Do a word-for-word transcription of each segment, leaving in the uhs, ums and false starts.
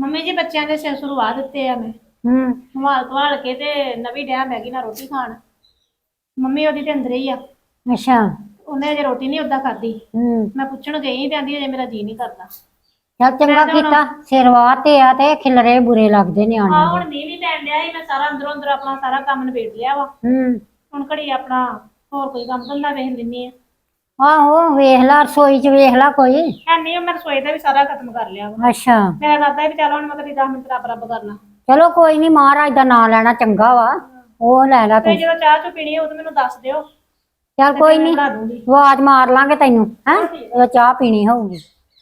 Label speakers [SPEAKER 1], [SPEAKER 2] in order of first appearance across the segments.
[SPEAKER 1] Mummy ਜੀ ਬੱਚਿਆਂ ਦੇ ਸਿਰ ਸੁਰਵਾ ਦਿੱਤੇ ਆ ਮੈਂ
[SPEAKER 2] ਹੂੰ।
[SPEAKER 1] ਸੰਭਾਲ ਧਵਾਲ ਕੇ ਤੇ ਨਵੀਂ ਡਿਆ ਮੈਗੀ ਨਾਲ ਰੋਟੀ ਖਾਣ। ਮੰਮੀ ਉਹਦੀ ਤੇ ਅੰਦਰ ਹੀ ਆ।
[SPEAKER 2] ਅੱਛਾ।
[SPEAKER 1] ਉਹਨੇ ਅਜੇ ਰੋਟੀ ਨਹੀਂ ਓਦਾਂ ਖਾਧੀ।
[SPEAKER 2] ਹੂੰ।
[SPEAKER 1] ਮੈਂ ਪੁੱਛਣ ਗਈ ਤੇ ਆਂਦੀ ਅਜੇ ਮੇਰਾ ਜੀ ਨਹੀਂ ਕਰਦਾ।
[SPEAKER 2] ਚੱਲ ਚੰਗਾ ਕੀਤਾ ਸਿਰਵਾ ਤੇ ਆ ਤੇ ਖਿਲਰੇ ਬੁਰੇ ਲੱਗਦੇ ਨਿਆਣਿਆਂ
[SPEAKER 1] ਆਹ
[SPEAKER 2] ਦੇ।
[SPEAKER 1] ਹੁਣ ਮੀਂਹ ਵੀ ਪੈਣ ਡਿਆ ਸੀ ਮੈਂ ਸਾਰਾ ਅੰਦਰੋਂ ਅੰਦਰ ਆਪਣਾ ਸਾਰਾ ਕੰਮ ਨਿਬੇੜ ਲਿਆ ਵਾ।
[SPEAKER 2] ਹੂੰ।
[SPEAKER 1] ਹੁਣ ਘੜੀ ਆਪਣਾ ਹੋਰ ਕੋਈ ਕੰਮ ਧੰਦਾ ਵੇਖ ਲੈਂਦੀ ਆ।
[SPEAKER 2] ਆਹੋ ਵੇਖ ਲਾ ਰਸੋਈ ਚ ਵੇਖ ਲਾ ਕੋਈ।
[SPEAKER 1] ਹੈ ਨਹੀਂ ਮੈਂ ਰਸੋਈ ਦਾ ਵੀ ਸਾਰਾ ਖਤਮ ਕਰ ਲਿਆ ਵਾ।
[SPEAKER 2] ਅੱਛਾ।
[SPEAKER 1] ਮੇਰਾ ਇਰਾਦਾ ਵੀ ਚੱਲ ਹੁਣ ਮੈਂ ਕਦੀ ਦਸ ਮਿੰਟ ਰੱਬ ਰੱਬ ਕਰ ਲਾਂ।
[SPEAKER 2] ਚਲੋ ਕੋਈ ਨਹੀਂ ਮਹਾਰਾਜ ਦਾ ਨਾਂ ਲੈਣਾ ਚੰਗਾ ਵਾ। ਉਹ ਲੈ ਲਾ
[SPEAKER 1] ਤੇ
[SPEAKER 2] ਤੂੰ।
[SPEAKER 1] ਜਦੋਂ ਚਾਹ ਚੁ ਪੀਣੀ ਉਹ ਤਾਂ ਮੈਨੂੰ ਦੱਸ ਦਿਓ।
[SPEAKER 2] ਚੱਲ ਕੋਈ ਨਹੀਂ ਆਵਾਜ਼ ਮਾਰ ਲਾਂਗੇ ਤੈਨੂੰ ਹੈ ਜਦੋਂ ਚਾਹ ਪੀਣੀ ਹੋਊਗੀ।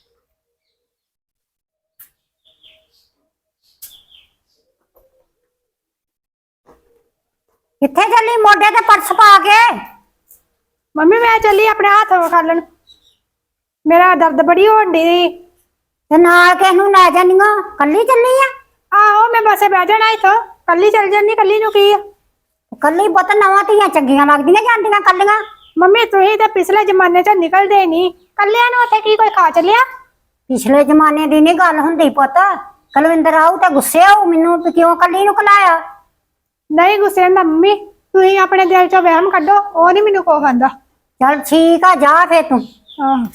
[SPEAKER 2] ਕਿੱਥੇ ਚੱਲੀ ਮੋਢੇ ਤੇ ਪਰਸ ਪਾ ਕੇ?
[SPEAKER 3] ਮੰਮੀ ਮੈਂ ਚੱਲੀ ਆਪਣੇ ਹੱਥ ਖਾਲਣ ਮੇਰਾ ਦਰਦ ਬੜੀ ਹੋਣ ਡਈ
[SPEAKER 2] ਤੇ ਨਾਲ ਕਿਸ ਨੂੰ ਲੈ ਜਾਨੀਆਂ ਕੱਲੀ ਚੱਲੀ ਆ?
[SPEAKER 3] ਆਹੋ ਮੈਂ ਬੱਸੇ ਬਹਿ ਜਾਣਾ ਇੱਥੋਂ ਕੱਲੀ ਚੱਲ ਜਾਂਦੀ ਕੱਲੀ ਨੂੰ ਕੀ ਆ।
[SPEAKER 2] ਕੱਲੀ ਪੁੱਤ ਨਵਾਂ ਧੀਆਂ ਚੰਗੀਆਂ ਲੱਗਦੀਆਂ ਜਾਂਦੀਆਂ ਕੱਲੀਆਂ।
[SPEAKER 3] ਮੰਮੀ ਤੁਸੀਂ ਤਾਂ ਪਿਛਲੇ ਜ਼ਮਾਨੇ ਚ ਨਿਕਲਦੇ ਨਹੀਂ ਕੱਲਿਆਂ ਨੂੰ ਉੱਥੇ ਕੀ ਕੋਈ ਖਾ ਚੱਲਿਆ।
[SPEAKER 2] ਪਿਛਲੇ ਜ਼ਮਾਨੇ ਦੀ ਨਹੀਂ ਗੱਲ ਹੁੰਦੀ ਪੁੱਤ। ਕੁਲਵਿੰਦਰ ਆਊ ਤਾਂ ਗੁੱਸੇ ਆਊ ਮੈਨੂੰ ਵੀ ਕਿਉਂ ਕੱਲੀ ਨੂੰ ਕਲਾਇਆ।
[SPEAKER 3] ਨਹੀਂ ਗੁੱਸੇ ਹੁੰਦਾ ਮੰਮੀ ਤੁਸੀਂ ਆਪਣੇ ਦਿਲ ਚੋਂ ਵਹਿਮ ਕੱਢੋ ਉਹ ਨਹੀਂ ਮੈਨੂੰ ਕੋ ਖਾਂਦਾ।
[SPEAKER 2] ਚੱਲ ਠੀਕ ਆ ਜਾ ਫੇਰ ਤੂੰ।
[SPEAKER 3] ਆਹ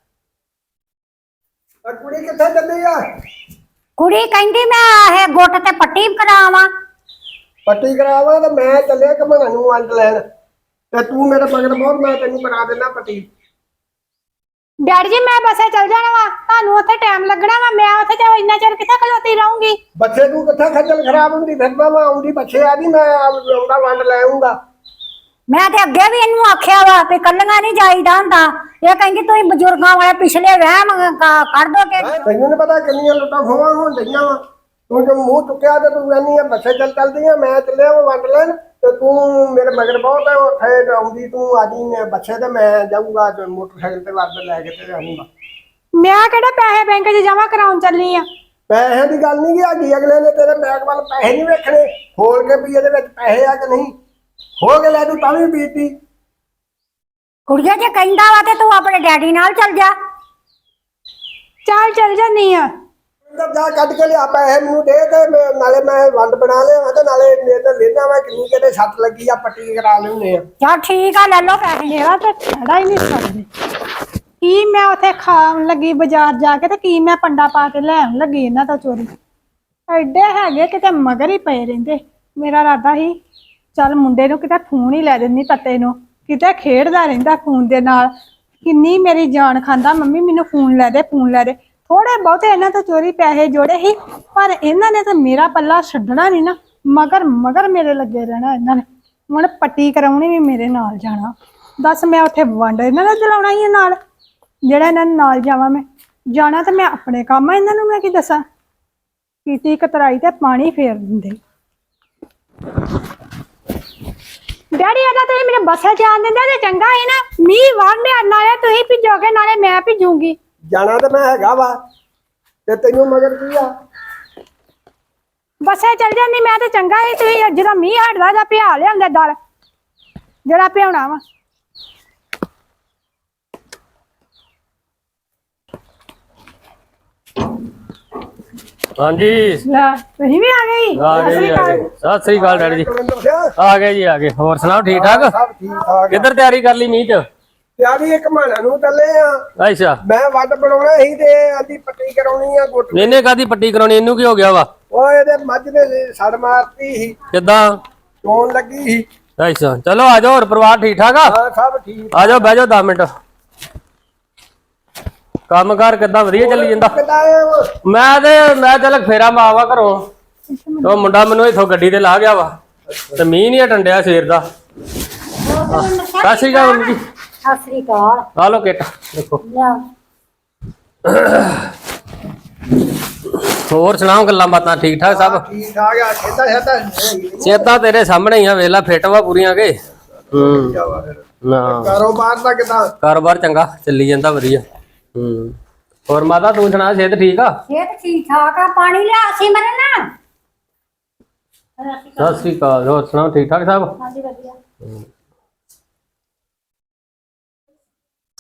[SPEAKER 4] ਕੁੜੀ ਕਿੱਥੇ ਚੱਲੀ ਆ?
[SPEAKER 2] ਕੁੜੀ ਕਹਿੰਦੀ ਮੈਂ ਇਹ ਗੁੱਟ ਤੇ ਪੱਟੀ ਕਰਾਵਾਂ।
[SPEAKER 4] ਪੱਟੀ ਕਰਾਵਾਂ ਤੇ ਮੈਂ ਚੱਲਿਆ ਘਮਣਾ ਨੂੰ ਵੰਡ ਲੈਣ ਤੇ ਤੂੰ ਮੇਰੇ ਮਗਰ ਬਹੁਤ ਮੈਂ ਤੈਨੂੰ ਕਰਾ ਦੇਣਾ ਪੱਟੀ।
[SPEAKER 3] ਡੈਡੀ ਜੀ ਮੈਂ ਬੱਸੇ ਚੱਲ ਜਾਣਾ ਵਾ ਤੁਹਾਨੂੰ ਉੱਥੇ ਟਾਈਮ ਲੱਗਣਾ ਵਾ ਮੈਂ ਉੱਥੇ ਤੇ ਇੰਨਾ ਚਿਰ ਕਿੱਥੇ ਖਲੋਤੀ ਰਹੂੰਗੀ।
[SPEAKER 4] ਬੱਚੇ ਤੂੰ ਕਿੱਥੇ ਖੱਜਲ ਖਰਾਬ ਹੁੰਦੀ ਫਿਰ ਮੈਂ ਆਉਂਦੀ ਬੱਚੇ ਆਦੀ ਮੈਂ ਆਉਂਦਾ ਵੰਡ ਲੈ ਆਉਂਗਾ।
[SPEAKER 2] ਮੈਂ ਤੇ ਅੱਗੇ ਵੀ ਇਹਨੂੰ ਆਖਿਆ ਵਾ ਵੀ ਕੱਲੀਆਂ ਨਹੀਂ ਜਾਈਦਾ ਹੁੰਦਾ। ਇਹ ਕਹਿੰਦੀ ਤੁਸੀਂ ਬਜ਼ੁਰਗਾਂ ਵਾਲੇ ਪਿਛਲੇ ਵਹਿਮ ਕੱਢ ਦੋ ਕਿ।
[SPEAKER 4] ਤੈਨੂੰ ਨੀ ਪਤਾ ਕਿੰਨੀਆਂ ਲੁੱਟਾਂ ਖੋਵਾਂ ਹੋਣ ਡਈਆਂ ਵਾ। ਤੂੰ ਜੋ ਮੂੰਹ ਚੁੱਕਿਆ ਤੇ ਤੂੰ ਕਹਿੰਦੀ ਆ ਬੱਸੇ ਚੱਲ ਚੱਲਦੀ ਆ ਮੈਂ ਚੱਲਿਆ ਵਾ ਵੰਡ ਲੈਣ ਤੇ ਤੂੰ ਮੇਰੇ ਮਗਰ ਬਹੁਤ ਹੈ ਉੱਥੇ ਆਉਂਦੀ ਤੂੰ ਆਜੀ ਬੱਚੇ ਤੇ ਮੈਂ ਜਾਊਂਗਾ ਮੋਟਰਸਾਈਕਲ ਤੇ ਵੰਡ ਲੈ ਕੇ ਤੇ ਆਊਂਗਾ।
[SPEAKER 3] ਮੈਂ ਕਿਹੜੇ ਪੈਸੇ ਬੈਂਕ 'ਚ ਜਮਾ ਕਰਾਉਣ ਚੱਲੀ ਆ।
[SPEAKER 4] ਪੈਸਿਆਂ ਦੀ ਗੱਲ ਨਹੀਂ ਹੈਗੀ ਅਗਲੇ ਨੇ ਤੇਰੇ ਬੈਗ ਵੱਲ ਪੈਸੇ ਨਹੀਂ ਵੇਖਣੇ ਖੋਲ ਕੇ ਵੀ ਇਹਦੇ ਵਿੱਚ ਪੈਸੇ ਆ ਕਿ ਨਹੀਂ ਹੋ ਕੇ ਲੈ ਤੂੰ ਤਾਂ ਵੀ ਬੀਤੀ।
[SPEAKER 2] ਕੁੜੀਆਂ ਜੇ ਕਹਿੰਦਾ ਵਾ ਤੇ ਤੂੰ ਆਪਣੇ ਡੈਡੀ ਨਾਲ ਚੱਲ ਜਾ।
[SPEAKER 3] ਚੱਲ ਚੱਲ ਜਾਨੀ ਆ।
[SPEAKER 4] ਜਾ ਕੱਢ ਕੇ ਲਿਆ ਪੈਸੇ ਮੈਨੂੰ ਦੇ ਤੇ ਨਾਲੇ ਮੈਂ ਵੰਡ ਬਣਾ ਲਿਆ ਤੇ ਨਾਲੇ ਮੇਰੇ ਲੈਣਾ ਵਾ ਕਿੰਨੀ ਕਿਤੇ ਸੱਟ ਲੱਗੀ ਆ ਪੱਟੀ ਕਰਾ ਲੈਣੇ ਆ।
[SPEAKER 2] ਚੱਲ ਠੀਕ ਆ ਲੈ ਲਓ ਪੈਸੇ।
[SPEAKER 3] ਮੇਰਾ ਤਾਂ ਖੜਾ ਹੀ ਨਹੀਂ ਸਕਦੇ ਕੀ ਮੈਂ ਉੱਥੇ ਖਾਣ ਲੱਗੀ ਬਾਜ਼ਾਰ ਜਾ ਕੇ ਤੇ ਕੀ ਮੈਂ ਪੰਡਾ ਪਾ ਕੇ ਲੈਣ ਲੱਗੀ ਇਹਨਾਂ ਤੋਂ ਚੋਰੀ। ਐਡੇ ਹੈਗੇ ਕਿਤੇ ਮਗਰ ਹੀ ਪਏ ਰਹਿੰਦੇ। ਮੇਰਾ ਇਰਾਦਾ ਸੀ ਚੱਲ ਮੁੰਡੇ ਨੂੰ ਕਿਤੇ ਫੋਨ ਹੀ ਲੈ ਦਿੰਦੀ ਤੱਤੇ ਨੂੰ ਕਿਤੇ ਖੇਡਦਾ ਰਹਿੰਦਾ ਫੋਨ ਦੇ ਨਾਲ। ਕਿੰਨੀ ਮੇਰੀ ਜਾਨ ਖਾਂਦਾ ਮੰਮੀ ਮੈਨੂੰ ਫੋਨ ਲੈ ਦੇ ਫੋਨ ਲੈ ਦੇ। ਥੋੜੇ ਬਹੁਤੇ ਇਹਨਾਂ ਤੋਂ ਚੋਰੀ ਪੈਸੇ ਜੋੜੇ ਸੀ ਪਰ ਇਹਨਾਂ ਨੇ ਤਾਂ ਮੇਰਾ ਪੱਲਾ ਛੱਡਣਾ ਨਹੀਂ ਨਾ ਮਗਰ ਮਗਰ ਮੇਰੇ ਲੱਗੇ ਰਹਿਣਾ। ਇਹਨਾਂ ਨੇ ਹੁਣ ਪੱਟੀ ਕਰਾਉਣੀ ਵੀ ਮੇਰੇ ਨਾਲ ਜਾਣਾ। ਦੱਸ ਮੈਂ ਉੱਥੇ ਵੰਡ ਇਹਨਾਂ ਦਾ ਚਲਾਉਣਾ ਹੀ ਨਾਲ ਜਿਹੜਾ ਇਹਨਾਂ ਨਾਲ ਜਾਵਾਂ ਮੈਂ ਜਾਣਾ ਤਾਂ ਮੈਂ ਆਪਣੇ ਕੰਮ ਆ। ਇਹਨਾਂ ਨੂੰ ਮੈਂ ਕੀ ਦੱਸਾਂ ਕੀਤੀ ਕਤਰਾਈ ਤੇ ਪਾਣੀ ਫੇਰ ਦਿੰਦੇ। ਡੈਡੀ ਆਦਾ ਤੁਸੀਂ ਮੇਰੇ ਬੱਸੇ ਜਾਣ ਦਿੰਦੇ ਤੇ ਚੰਗਾ ਸੀ ਨਾ ਮੀਂਹ ਵਾਂਡਿਆ ਨਾਲੇ ਤੁਸੀਂ ਭਿੱਜੋਗੇ ਨਾਲੇ ਮੈਂ ਭਿੱਜੂਗੀ।
[SPEAKER 4] ਜਾਣਾ ਤੇ ਮੈਂ ਹੈਗਾ ਵਾ ਤੇ ਤੈਨੂੰ ਮਗਰ ਕੀ ਆ।
[SPEAKER 3] ਬੱਸੇ ਚੱਲ ਜਾਂਦੀ ਮੈਂ ਤੇ ਚੰਗਾ ਸੀ ਤੁਸੀਂ ਜਦੋਂ ਮੀਂਹ ਹਟਦਾ ਜਾਂ ਪਿਆ ਲਿਆਉਂਦੇ ਦਲ ਜਿਹੜਾ ਪਿਆਉਣਾ ਵਾ।
[SPEAKER 5] ਹਾਂਜੀ
[SPEAKER 3] ਲੈ ਤੁਸੀਂ ਵੀ ਆ ਗਏ
[SPEAKER 5] ਆ ਗਏ ਜੀ ਆ ਗਏ। ਸਤਿ ਸ੍ਰੀ ਅਕਾਲ ਡੈਡੀ ਜੀ। ਆ ਗਏ ਜੀ ਆ ਗਏ। ਹੋਰ ਸੁਣਾਓ ਠੀਕ ਠਾਕ?
[SPEAKER 4] ਸਭ ਠੀਕ ਠਾਕ।
[SPEAKER 5] ਕਿੱਧਰ ਤਿਆਰੀ ਕਰ ਲਈ ਮੀਂਹ ਚ?
[SPEAKER 4] ਤਿਆਰੀ ਇੱਕ ਮਾਣਾ ਨੂੰ ਚੱਲੇ ਆ।
[SPEAKER 5] ਅੱਛਾ
[SPEAKER 4] ਮੈਂ ਵੱਡ ਬਣਾਉਣਾ ਸੀ ਤੇ ਆਦੀ ਪੱਟੀ ਕਰਾਉਣੀ ਆ ਗੁੱਟ।
[SPEAKER 5] ਇਹਨੇ ਕਾਦੀ ਪੱਟੀ ਕਰਾਉਣੀ? ਇਹਨੂੰ ਕੀ ਹੋ ਗਿਆ ਵਾ?
[SPEAKER 4] ਉਹ ਇਹਦੇ ਮੱਝ ਦੇ ਸੜ ਮਾਰਤੀ ਸੀ
[SPEAKER 5] ਕਿੱਦਾਂ?
[SPEAKER 4] ਚੋਣ ਲੱਗੀ ਸੀ।
[SPEAKER 5] ਅੱਛਾ ਚਲੋ ਆ ਜਾਓ। ਹੋਰ ਪਰਿਵਾਰ ਠੀਕ ਠਾਕ ਆ?
[SPEAKER 4] ਹਾਂ ਸਭ ਠੀਕ।
[SPEAKER 5] ਆ ਜਾਓ ਬਹਿ ਜਾਓ ਦਸ ਮਿੰਟ। ਕੰਮ ਕਾਰ ਕਿੱਦਾਂ? ਵਧੀਆ ਚੱਲੀ ਜਾਂਦਾ?
[SPEAKER 4] ਕਿੱਦਾਂ ਆਏ ਹੋ?
[SPEAKER 5] ਮੈਂ ਤੇ ਮੈਂ ਚੱਲ ਫੇਰਾ ਮਾਵਾ ਘਰੋਂ ਉਹ ਮੁੰਡਾ ਮੈਨੂੰ ਇੱਥੋਂ ਗੱਡੀ ਤੇ ਲਾ ਗਿਆ ਵਾ ਤੇ ਮੀਂਹ ਨਹੀਂ ਹਟੰਡਿਆ ਸਵੇਰ ਦਾ। ਸਤਿ ਸ੍ਰੀ ਅਕਾਲ ਜੀ।
[SPEAKER 2] ਸਤਿ ਸ੍ਰੀ ਅਕਾਲ।
[SPEAKER 5] ਆ ਲੋ ਕਿੱਟ ਦੇਖੋ। ਹੋਰ ਸੁਣਾਓ ਗੱਲਾਂ ਬਾਤਾਂ ਠੀਕ ਠਾਕ ਸਭ?
[SPEAKER 4] ਠੀਕ ਠਾਕ ਆ। ਖੇਤਾ ਖੇਤਾ
[SPEAKER 5] ਚੇਤਾ ਤੇਰੇ ਸਾਹਮਣੇ ਹੀ ਆ ਵੇਲਾ ਫਿੱਟ ਵਾ ਪੂਰੀਆਂ ਕੇ। ਹੂੰ ਨਾ
[SPEAKER 4] ਕਾਰੋਬਾਰ ਦਾ ਕਿਦਾਂ?
[SPEAKER 5] ਕਾਰੋਬਾਰ ਚੰਗਾ ਚੱਲੀ ਜਾਂਦਾ ਵਧੀਆ। ਹੂੰ ਹੋਰ ਮਾਤਾ ਤੂੰ ਸੁਣਾ ਸਿਹਤ ਠੀਕ ਆ?
[SPEAKER 2] ਸਿਹਤ ਠੀਕ ਠਾਕ ਆ। ਪਾਣੀ ਲਿਆ ਸੀ ਮੇਰੇ ਨਾਲ।
[SPEAKER 5] ਸਤਿ ਸ੍ਰੀ ਅਕਾਲ। ਹੋਰ ਸੁਣਾਓ ਠੀਕ ਠਾਕ ਸਭ?
[SPEAKER 1] ਹਾਂਜੀ ਵਧੀਆ।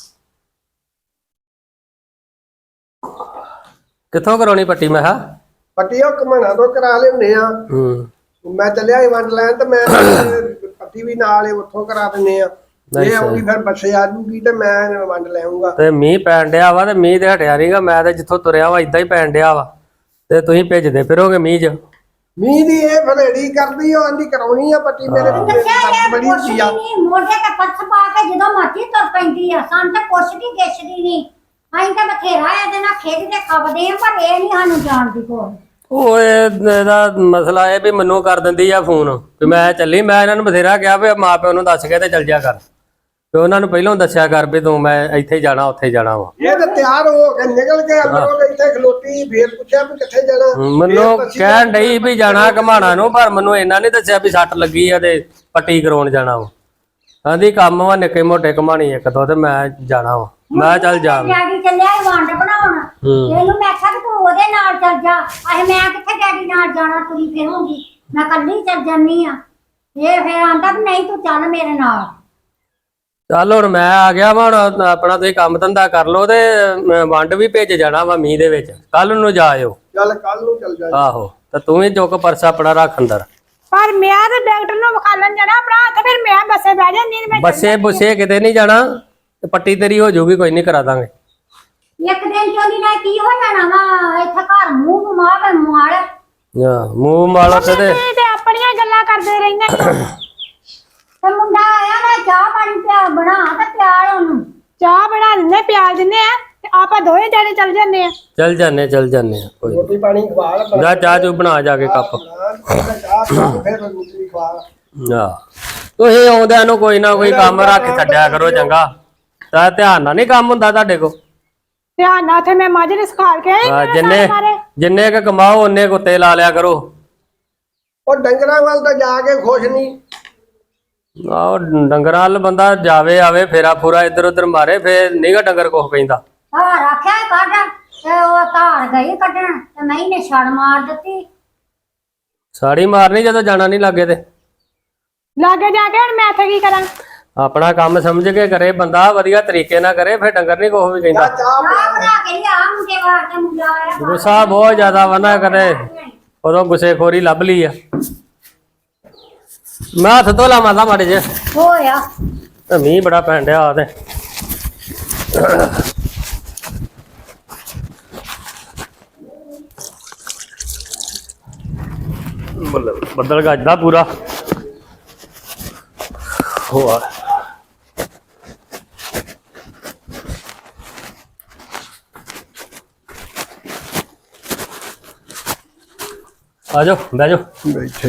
[SPEAKER 5] ਕਿੱਥੋਂ ਕਰਾਉਣੀ ਪੱਟੀ ਮੈਂ ਕਿਹਾ?
[SPEAKER 4] ਪੱਟੀ ਉਹ ਘਮਣਾ ਤੋਂ ਕਰਾ ਲੈਂਦੇ ਆ।
[SPEAKER 5] ਹੂੰ
[SPEAKER 4] ਮੈਂ ਚੱਲਿਆ ਸੀ ਵੰਡ ਲੈਣ ਤੇ ਮੈਂ ਪੱਟੀ ਵੀ ਨਾਲ ਹੀ ਉੱਥੋਂ ਕਰਾ ਦਿੰਦੇ ਆ। ਇਹ ਆਉਂਗੀ ਫਿਰ ਬੱਸੇ ਆ ਜੂਗੀ ਤੇ ਮੈਂ ਵੰਡ ਲੈਊਂਗਾ।
[SPEAKER 5] ਤੇ ਮੀਂਹ ਪੈਣ ਡਿਆ ਵਾ ਤੇ ਮੀਂਹ ਤੇ ਹਟਿਆ ਨਹੀਂਗਾ। ਮੈਂ ਤੇ ਜਿੱਥੋਂ ਤੁਰਿਆ ਵਾ ਇਦਾਂ ਹੀ ਪੈਣ ਡਿਆ ਵਾ ਤੇ ਤੁਸੀਂ ਭੇਜਦੇ ਫਿਰੋਗੇ ਮੀਂਹ 'ਚ।
[SPEAKER 4] ਮੀਂਹ ਦੀ ਇਹ ਫਲੇੜੀ ਕਰਦੀ ਉਹ ਆਂਦੀ ਕਰਾਉਣੀ ਆ ਪੱਟੀ ਮੇਰੇ
[SPEAKER 2] ਦੱਸਿਆ
[SPEAKER 4] ਬੜੀ ਹੁੰਦੀ ਆ।
[SPEAKER 2] ਨਹੀਂ ਮੋਢੇ ਤੇ ਪੱਥ ਪਾ ਕੇ ਜਦੋਂ ਮਰਜ਼ੀ ਤੁਰ ਪੈਂਦੀ ਆ। ਸਾਨੂੰ ਤਾਂ ਪੁੱਛਦੀ ਗਿੱਛਦੀ ਨਹੀਂ। ਅਸੀਂ ਤਾਂ ਬਥੇਰਾ ਇਹਦੇ ਨਾਲ ਖੇਡਦੇ ਖਪਦੇ ਆ ਪਰ ਇਹ ਨਹੀਂ ਸਾਨੂੰ ਜਾਣਦੀ ਕੋਈ।
[SPEAKER 5] ਉਹ ਇਹਦਾ ਮਸਲਾ ਇਹ ਵੀ ਮੈਨੂੰ ਕਰ ਦਿੰਦੀ ਆ ਫੋਨ ਵੀ ਮੈਂ ਚੱਲੀ। ਮੈਂ ਇਹਨਾਂ ਨੂੰ ਬਥੇਰਾ ਕਿਹਾ ਵੀ ਮਾਂ ਪਿਓ ਨੂੰ ਦੱਸ ਕੇ ਤੇ ਚੱਲ ਜਾ ਕਰ ਤੇ ਉਹਨਾਂ ਨੂੰ ਪਹਿਲਾਂ ਦੱਸਿਆ ਕਰ ਵੀ ਤੂੰ ਮੈਂ ਇੱਥੇ ਜਾਣਾ ਉੱਥੇ ਜਾਣਾ ਵਾ।
[SPEAKER 4] ਇਹ ਤਾਂ ਤਿਆਰ ਹੋ ਕੇ ਨਿਕਲ ਕੇ ਅੰਦਰੋਂ ਇੱਥੇ ਖਲੋਤੀ ਫੇਰ ਪੁੱਛਿਆ ਵੀ ਕਿੱਥੇ ਜਾਣਾ।
[SPEAKER 5] ਮੈਨੂੰ ਕਹਿਣ ਡਈ ਵੀ ਜਾਣਾ ਘਮਾਣਾ ਨੂੰ ਪਰ ਮੈਨੂੰ ਇਹਨਾਂ ਨੇ ਦੱਸਿਆ ਵੀ ਸੱਟ ਲੱਗੀ ਆ ਤੇ ਪੱਟੀ ਕਰਾਉਣ ਜਾਣਾ ਵਾ। ਕਹਿੰਦੀ ਕੰਮ ਵਾ ਨਿੱਕੇ ਮੋਟੇ ਘਮਾਣੀ ਇੱਕ ਦੋ ਤੇ ਮੈਂ ਜਾਣਾ ਵਾ। ਮੈਂ ਚੱਲ ਜਾ।
[SPEAKER 2] ਡੈਡੀ ਚੱਲਿਆ ਸੀ ਵੰਡ ਬਣਾਉਣ। ਇਹਨੂੰ ਮੈਂ ਕਿਹਾ ਤੂੰ ਉਹਦੇ ਨਾਲ ਚੱਲ ਜਾ। ਅਹੇ ਮੈਂ ਕਿੱਥੇ ਡੈਡੀ ਨਾਲ ਜਾਣਾ ਤੁਰੀ ਫਿਰੂੰਗੀ ਮੈਂ ਕੱਲੀ ਚੱਲ ਜਾਨੀ ਆ। ਇਹ ਫੇਰ ਆਂਦਾ ਵੀ ਨਹੀਂ ਤੂੰ ਚੱਲ ਮੇਰੇ ਨਾਲ।
[SPEAKER 5] ਚੱਲ ਹੁਣ ਮੈਂ ਆ ਗਿਆ ਵਾ। ਹੁਣ ਆਪਣਾ ਤੁਸੀਂ ਕੰਮ ਧੰਦਾ ਕਰ ਲਓ ਤੇ ਵੰਡ ਵੀ ਭੇਜ ਜਾਣਾ ਵਾ ਮੀਂਹ ਦੇ ਵਿੱਚ। ਕੱਲ ਨੂੰ ਜਾਇਓ।
[SPEAKER 4] ਚੱਲ ਕੱਲ ਨੂੰ ਚੱਲ ਜਾ।
[SPEAKER 5] ਆਹੋ ਤੇ ਤੂੰ ਵੀ ਚੁੱਕ ਪਰਸ ਆਪਣਾ ਰੱਖ ਅੰਦਰ।
[SPEAKER 3] ਪਰ ਮੈਂ ਤੇ ਡਾਕਟਰ ਨੂੰ ਵਿਖਾਲਣ ਜਾਣਾ ਭਰਾ ਤੇ ਫਿਰ ਮੈਂ ਬੱਸੇ ਬਹਿ ਜਾਂਦੀ ਮੈਂ
[SPEAKER 5] ਬੱਸੇ ਬੁੱਸੇ ਕਿਤੇ ਨਹੀਂ ਜਾਣਾ ਤੇ ਪੱਟੀ ਤੇਰੀ ਹੋ ਜਾਊਗੀ ਕੋਈ ਨਹੀਂ ਕਰਾ ਦਾਂਗੇ।
[SPEAKER 2] ਇੱਕ ਦਿਨ ਚੋਲੀ ਨਾਲ ਕੀ ਹੋ ਜਾਣਾ ਵਾ ਇੱਥੇ ਘਰ ਮੂੰਹ ਮਾਰ ਮਾਰ।
[SPEAKER 5] ਹਾਂ ਮੂੰਹ ਮਾਲਾ ਤੇ ਤੇ
[SPEAKER 3] ਤੇ ਆਪਣੀਆਂ ਗੱਲਾਂ ਕਰਦੇ ਰਹਿੰਦੇ
[SPEAKER 2] ਤੇ ਮੁੰਡਾ ਆਇਆ ਨਾ ਚਾਹ ਪਾਣੀ ਪਿਆ ਬਣਾ ਤੇ ਪਿਆਲ ਉਹਨੂੰ।
[SPEAKER 3] ਚਾਹ ਬਣਾ ਦਿੰਦੇ ਪਿਆਲ ਦਿੰਦੇ ਆ ਤੇ ਆਪਾਂ ਦੋਵੇਂ ਜਾਣੇ ਚੱਲ ਜਾਂਦੇ ਆ।
[SPEAKER 5] ਚੱਲ ਜਾਨੇ ਚੱਲ ਜਾਨੇ ਆ ਕੋਈ
[SPEAKER 4] ਰੋਟੀ ਪਾਣੀ ਖਵਾ ਲੈ।
[SPEAKER 5] ਜਾ ਚਾਹ ਚੂ ਬਣਾ ਜਾ ਕੇ ਕੱਪ।
[SPEAKER 4] ਚਾਹ ਫਿਰ ਰੋਟੀ ਖਵਾ।
[SPEAKER 5] ਆ ਤੁਸੀਂ ਆਉਂਦਿਆਂ ਨੂੰ ਕੋਈ ਨਾ ਕੋਈ ਕੰਮ ਰੱਖ ਛੱਡਿਆ ਕਰੋ ਚੰਗਾ। ਤਾਂ ਧਿਆਨ ਨਾਲ ਨਹੀਂ ਕੰਮ ਹੁੰਦਾ ਤੁਹਾਡੇ ਕੋ।
[SPEAKER 3] ਧਿਆਨ ਨਾਲ ਉੱਥੇ ਮੈਂ ਮੱਝ ਨੂੰ ਸਿਖਾਲ ਕੇ ਆਈ
[SPEAKER 5] ਆ ਜਿੰਨੇ ਜਿੰਨੇ ਕ ਕਮਾਓ ਉਹਨੇ ਕੁੱਤੇ ਲਾ ਲਿਆ ਕਰੋ।
[SPEAKER 4] ਉਹ ਡੰਗਰਾਂ ਵੱਲ ਤਾਂ ਜਾ ਕੇ ਖੁਸ਼ ਨਹੀਂ।
[SPEAKER 5] ਆਹ ਡੰਗਰਾਂ ਵੱਲ ਬੰਦਾ ਜਾਵੇ ਆਵੇ ਫੇਰਾ ਫੂਰਾ ਇੱਧਰ ਉੱਧਰ ਮਾਰੇ ਫੇਰ ਨੀਗਾ ਡੰਗਰ ਕੁਛ ਪੈਂਦਾ।
[SPEAKER 2] ਧਾਰ ਆਖਿਆ ਕੱਢ ਤੇ ਉਹ ਧਾਰ ਗਈ ਕੱਢਣ ਤੇ ਮੈਂ ਇਹਨੇ ਛੜ ਮਾਰ ਦਿੱਤੀ।
[SPEAKER 5] ਸਾੜੀ ਮਾਰਨੀ ਜਦੋਂ ਜਾਣਾ ਨਹੀਂ ਲੱਗੇ ਤੇ
[SPEAKER 3] ਲਾਗੇ ਜਾ ਕੇ ਹੁਣ ਮੈਂ ਇੱਥੇ ਕੀ ਕਰਾਂ।
[SPEAKER 5] ਆਪਣਾ ਕੰਮ ਸਮਝ ਕੇ ਕਰੇ ਬੰਦਾ ਵਧੀਆ ਤਰੀਕੇ ਨਾਲ ਕਰੇ ਫਿਰ ਡੰਗਰ ਨਹੀਂ ਕੁਛ ਵੀ ਕਹਿੰਦਾ।
[SPEAKER 4] ਚਾਹ
[SPEAKER 2] ਚਾਹ ਬਣਾ ਕੇ ਲਿਆ ਮੁੰਡੇ ਵਾਸਤੇ ਮੁੰਡਾ ਆਇਆ।
[SPEAKER 5] ਗੁੱਸਾ ਬਹੁਤ ਜ਼ਿਆਦਾ ਵਾ ਨਾ ਕਰੇ ਉਦੋਂ ਗੁੱਸੇਖੋਰੀ ਲੱਭ ਲਈ ਆ। ਮੈਂ ਹੱਥ ਧੋ ਲਾ ਮਾਤਾ ਮਾੜੇ ਜੇ
[SPEAKER 2] ਹੋਇਆ
[SPEAKER 5] ਤੇ ਮੀਂਹ ਬੜਾ ਪੈਣ ਡਿਆ ਆ ਤੇ ਬੱਦਲ ਗੱਜਦਾ ਪੂਰਾ ਹੋਆ। ਆ ਜਾਓ ਬਹਿ ਜਾਓ।
[SPEAKER 4] ਬੈਠੇ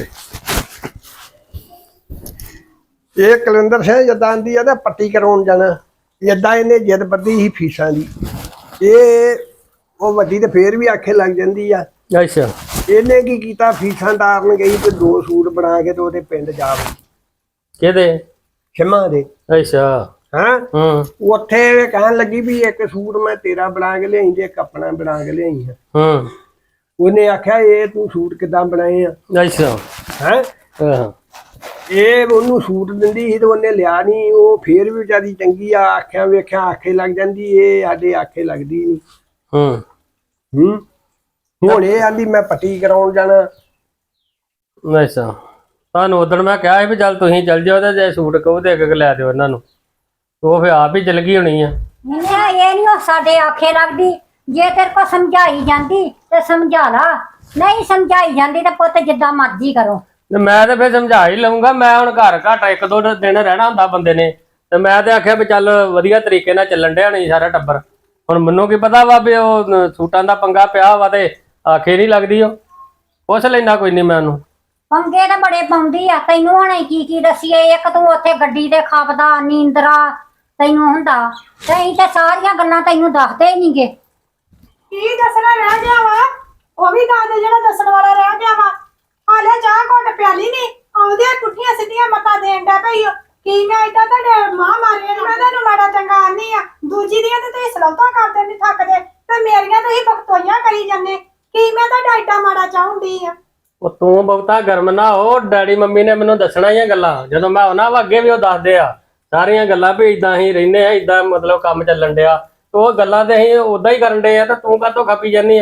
[SPEAKER 4] ਇਹ ਕਲੰਦਰ ਸਿੰਘ ਜਦਾਂ ਆਂਦੀ ਆ ਨਾ ਪੱਟੀ ਕਰਾਉਣ ਜਾਣਾ। ਏਦਾਂ ਇਹਨੇ ਜਿੱਦ ਬੱਧੀ ਸੀ ਫੀਸਾਂ ਦੀ। ਇਹ ਉਹ ਵੱਡੀ ਤੇ ਫੇਰ ਵੀ ਆਖੇ ਲੱਗ ਜਾਂਦੀ ਆ।
[SPEAKER 5] ਅੱਛਾ
[SPEAKER 4] ਇਹਨੇ ਕੀ ਕੀਤਾ ਫੀਸਾਂ ਤਾਰਨ ਗਈ ਤੇ ਦੋ ਸੂਟ ਬਣਾ ਕੇ ਤੇ ਉਹਦੇ ਪਿੰਡ ਜਾ ਵੜੀ
[SPEAKER 5] ਕਿਹਦੇ
[SPEAKER 4] ਖਿਮਾ ਦੇ।
[SPEAKER 5] ਅੱਛਾ
[SPEAKER 4] ਹਾਂ
[SPEAKER 5] ਹੂੰ
[SPEAKER 4] ਉੱਥੇ ਕਹਿਣ ਲੱਗੀ ਵੀ ਇੱਕ ਸੂਟ ਮੈਂ ਤੇਰਾ ਬਣਾ ਕੇ ਲਿਆਈ ਤੇ ਇੱਕ ਆਪਣਾ ਬਣਾ ਕੇ ਲਿਆਈ ਹਾਂ।
[SPEAKER 5] ਹੂੰ
[SPEAKER 4] ਉਹਨੇ ਆਖਿਆ ਇਹ ਤੂੰ ਸੂਟ ਕਿੱਦਾਂ ਬਣਾਏ ਆ
[SPEAKER 5] ਅੱਛਾ
[SPEAKER 4] ਹੈ।
[SPEAKER 5] ਹਾਂ
[SPEAKER 4] ਇਹ ਉਹਨੂੰ ਸੂਟ ਦਿੰਦੀ ਸੀ ਤੇ ਉਹਨੇ ਲਿਆ ਨਹੀਂ। ਉਹ ਫੇਰ ਵੀ ਵਿਚਾਰੀ ਚੰਗੀ ਆ। ਆਖਿਆ ਵੇਖਿਆ ਆਖੇ ਲੱਗ ਜਾਂਦੀ। ਇਹ ਸਾਡੇ ਆਖੇ ਲੱਗਦੀ ਨਹੀਂ।
[SPEAKER 5] ਹੂੰ
[SPEAKER 4] ਹੂੰ ਹੁਣ ਇਹ ਆਂਦੀ ਮੈਂ ਪੱਟੀ ਕਰਾਉਣ ਜਾਣਾ।
[SPEAKER 5] ਅੱਛਾ ਤੁਹਾਨੂੰ ਉਦੋਂ ਮੈਂ ਕਿਹਾ ਸੀ ਵੀ ਚੱਲ ਤੁਸੀਂ ਚੱਲ ਜਾਓ ਤੇ ਜੇ ਸੂਟ ਕਹੋ ਤੇ ਇੱਕ ਇੱਕ ਲੈ ਦਿਓ ਇਹਨਾਂ ਨੂੰ। ਉਹ ਫਿਰ ਆਪ ਹੀ ਚਲ ਗਈ ਹੋਣੀ ਆ।
[SPEAKER 2] ਨਹੀਂ ਇਹ ਨਹੀਂ ਸਾਡੇ ਆਖੇ ਲੱਗਦੀ। ਜੇ ਤੇਰੇ ਕੋ ਸਮਝਾਈ ਜਾਂਦੀ ਤੇ ਸਮਝਾ ਲਾ। ਨਹੀਂ ਸਮਝਾਈ ਜਾਂਦੀ ਤੇ ਪੁੱਤ ਜਿੱਦਾਂ ਮਰਜ਼ੀ ਕਰੋ।
[SPEAKER 5] ਤੇ ਮੈਂ ਤੇ ਫਿਰ ਸਮਝਾ ਹੀ ਲਊਂਗਾ। ਮੈਂ ਹੁਣ ਘਰ ਘੱਟ ਇੱਕ ਦੋ ਦਿਨ ਰਹਿਣਾ ਹੁੰਦਾ ਬੰਦੇ ਨੇ ਤੇ ਮੈਂ ਤੇ ਆਖਿਆ ਵੀ ਚੱਲ ਵਧੀਆ ਤਰੀਕੇ ਨਾਲ ਚੱਲਣ ਡਿਆ ਨਹੀਂ ਸਾਰਾ ਟੱਬਰ। ਹੁਣ ਮੈਨੂੰ ਕੀ ਪਤਾ ਵਾ ਵੀ ਉਹ ਸੂਟਾਂ ਦਾ ਪੰਗਾ ਪਿਆ ਵਾ ਤੇ ਆਖੇ ਨਹੀਂ ਲੱਗਦੀ। ਉਹ ਪੁੱਛ ਲੈਣਾ ਕੋਈ ਨਹੀਂ ਮੈਂ ਉਹਨੂੰ।
[SPEAKER 2] ਪੰਗੇ ਤਾਂ ਬੜੇ ਪਾਉਂਦੀ ਆ। ਤੈਨੂੰ ਹੁਣ ਕੀ ਕੀ ਦਸੀਏ। ਇੱਕ ਤੂੰ ਉੱਥੇ ਗੱਡੀ ਤੇ ਖਾਪਦਾ ਨੀਂਦਰਾ ਤੈਨੂੰ ਹੁੰਦਾ ਤੇ ਅਸੀਂ ਤੇ ਸਾਰੀਆਂ ਗੱਲਾਂ ਤੈਨੂੰ ਦੱਸਦੇ ਹੀ ਨਹੀਂਗੇ।
[SPEAKER 3] ਕੀ ਦੱਸਣਾ ਰਹਿ ਗਿਆ ਵਾ। ਉਹ ਵੀ ਦੱਸ ਦੇ ਜਿਹੜਾ ਦੱਸਣ ਵਾਲਾ ਰਹਿ ਗਿਆ ਵਾ। ਹਾਲੇ ਚਾਹ ਘੁੱਟ ਪਿਆਲੀ ਨਹੀਂ ਆਉਂਦੇ ਪੁੱਠੀਆਂ ਸਿੱਧੀਆਂ ਮੱਤਾਂ ਦੇਣ ਦਾ ਭਈ। ਕੀ ਮੈਂ ਏਦਾਂ ਤੁਹਾਡੇ ਮਾਂ ਮਾਰੀ ਮੈਂ ਤੁਹਾਨੂੰ ਮਾੜਾ ਚੰਗਾ ਆਨੀ ਆ। ਦੂਜੀ ਦੀਆਂ ਤੇ ਤੁਸੀਂ ਸਲੌਤਾਂ ਕਰਦੇ ਨਹੀਂ ਥੱਕਦੇ ਤੇ ਮੇਰੀਆਂ ਤੁਸੀਂ ਬਖਤੋਈਆਂ ਕਰੀ ਜਾਂਦੇ। ਕੀ ਮੈਂ ਤੁਹਾਡਾ ਏਡਾ ਮਾੜਾ ਚਾਹੁੰਦੀ ਆ।
[SPEAKER 5] ਉਹ ਤੂੰ ਬਹੁਤਾ ਗਰਮ ਨਾ ਹੋ। ਡੈਡੀ ਮੰਮੀ ਨੇ ਮੈਨੂੰ ਦੱਸਣਾ ਹੀ ਆ ਗੱਲਾਂ। ਜਦੋਂ ਮੈਂ ਉਹਨਾਂ ਵਾ ਅੱਗੇ ਵੀ ਉਹ ਦੱਸਦੇ ਆ ਸਾਰੀਆਂ ਗੱਲਾਂ ਵੀ ਇਦਾਂ ਹੀ ਰਹਿੰਦੇ ਆ ਇਦਾਂ ਮਤਲਬ ਕੰਮ ਚੱਲਣ ਡਿਆ। ਉਹ ਗੱਲਾਂ ਤੇ ਅਸੀਂ ਉਦਾਂ ਹੀ ਕਰਨ ਡੇ ਆ ਤੇ ਤੂੰ ਕਾਹਤੋਂ ਖਪੀ ਜਾਂਦੀ ਆ।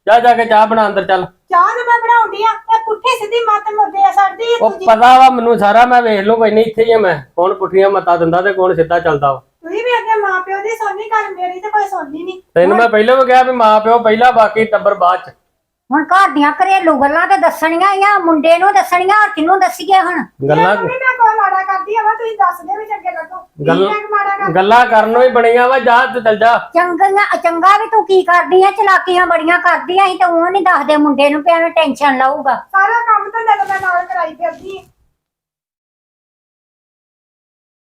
[SPEAKER 5] ਜਾ ਜਾ ਕੇ ਚਾਹ ਬਣਾ ਅੰਦਰ ਚੱਲ।
[SPEAKER 3] ਚਾਹ ਤੇ ਮੈਂ ਬਣਾਉਂਦੀ ਆ ਇਹ ਪੁੱਠੀ ਸਿੱਧੀ ਮੱਤ ਮੁੱਦੇ ਆ ਸੜਦੀ ਆ
[SPEAKER 5] ਉਹ
[SPEAKER 3] ਦੂਜੀ।
[SPEAKER 5] ਪਤਾ ਵਾ ਮੈਨੂੰ ਸਾਰਾ, ਮੈਂ ਵੇਖ ਲੂ ਕੋਈ ਨਹੀਂ, ਇੱਥੇ ਹੀ ਆ ਮੈਂ। ਕੌਣ ਪੁੱਠੀਆਂ ਮੱਤਾਂ ਦਿੰਦਾ ਤੇ ਕੌਣ ਸਿੱਧਾ ਚੱਲਦਾ ਵਾ।
[SPEAKER 3] ਤੁਸੀਂ ਵੀ ਅੱਗੇ ਮਾਂ ਪਿਓ ਦੀ ਸੁਣਨੀ, ਘਰ ਮੇਰੀ ਤੇ ਕੋਈ ਸੁਣਨੀ ਨਹੀਂ।
[SPEAKER 5] ਤੈਨੂੰ ਮੈਂ ਪਹਿਲਾਂ ਵੀ ਕਿਹਾ ਵੀ ਮਾਂ ਪਿਓ ਪਹਿਲਾਂ, ਬਾਕੀ ਟੱਬਰ ਬਾਅਦ ਚ।
[SPEAKER 2] ਹੁਣ ਘਰ ਦੀਆਂ ਘਰੇਲੂ ਗੱਲਾਂ ਤੇ ਦੱਸਣੀਆਂ ਆ, ਮੁੰਡੇ ਨੂੰ ਦੱਸਣੀਆਂ, ਹੋਰ ਕਿਹਨੂੰ ਦੱਸੀਏ ਹੁਣ?
[SPEAKER 5] ਗੱਲਾਂ
[SPEAKER 3] ਮੰਮੀ ਮੈਂ ਕੋਈ ਮਾੜਾ ਕਰਦੀ ਆ ਵਾ, ਤੁਸੀਂ ਦੱਸਦੇ ਵੀ ਚੰਗੇ ਲੱਗੋ।
[SPEAKER 5] ਗੱਲਾਂ
[SPEAKER 3] ਮੈਂ ਮਾੜਾ ਕਰ
[SPEAKER 5] ਗੱਲਾਂ ਕਰਨ ਨੂੰ ਹੀ ਬਣੀਆਂ ਵਾ, ਜਾ ਤੇ ਚੱਲ ਜਾ।
[SPEAKER 2] ਚੰਗੀਆਂ ਚੰਗਾ ਵੀ ਤੂੰ ਕੀ ਕਰਦੀ ਆ, ਚਲਾਕੀਆਂ ਬੜੀਆਂ ਕਰਦੀ ਆ, ਅਸੀਂ ਤਾਂ ਉਹ ਨਹੀਂ ਦੱਸਦੇ ਮੁੰਡੇ ਨੂੰ, ਵੀ ਐਵੇਂ ਟੈਨਸ਼ਨ ਲਊਗਾ।
[SPEAKER 3] ਸਾਰਾ ਕੰਮ ਤਾਂ ਜਦੋਂ ਮੈਂ ਨਾਲ ਕਰਾਈ ਫਿਰਦੀ ਆ।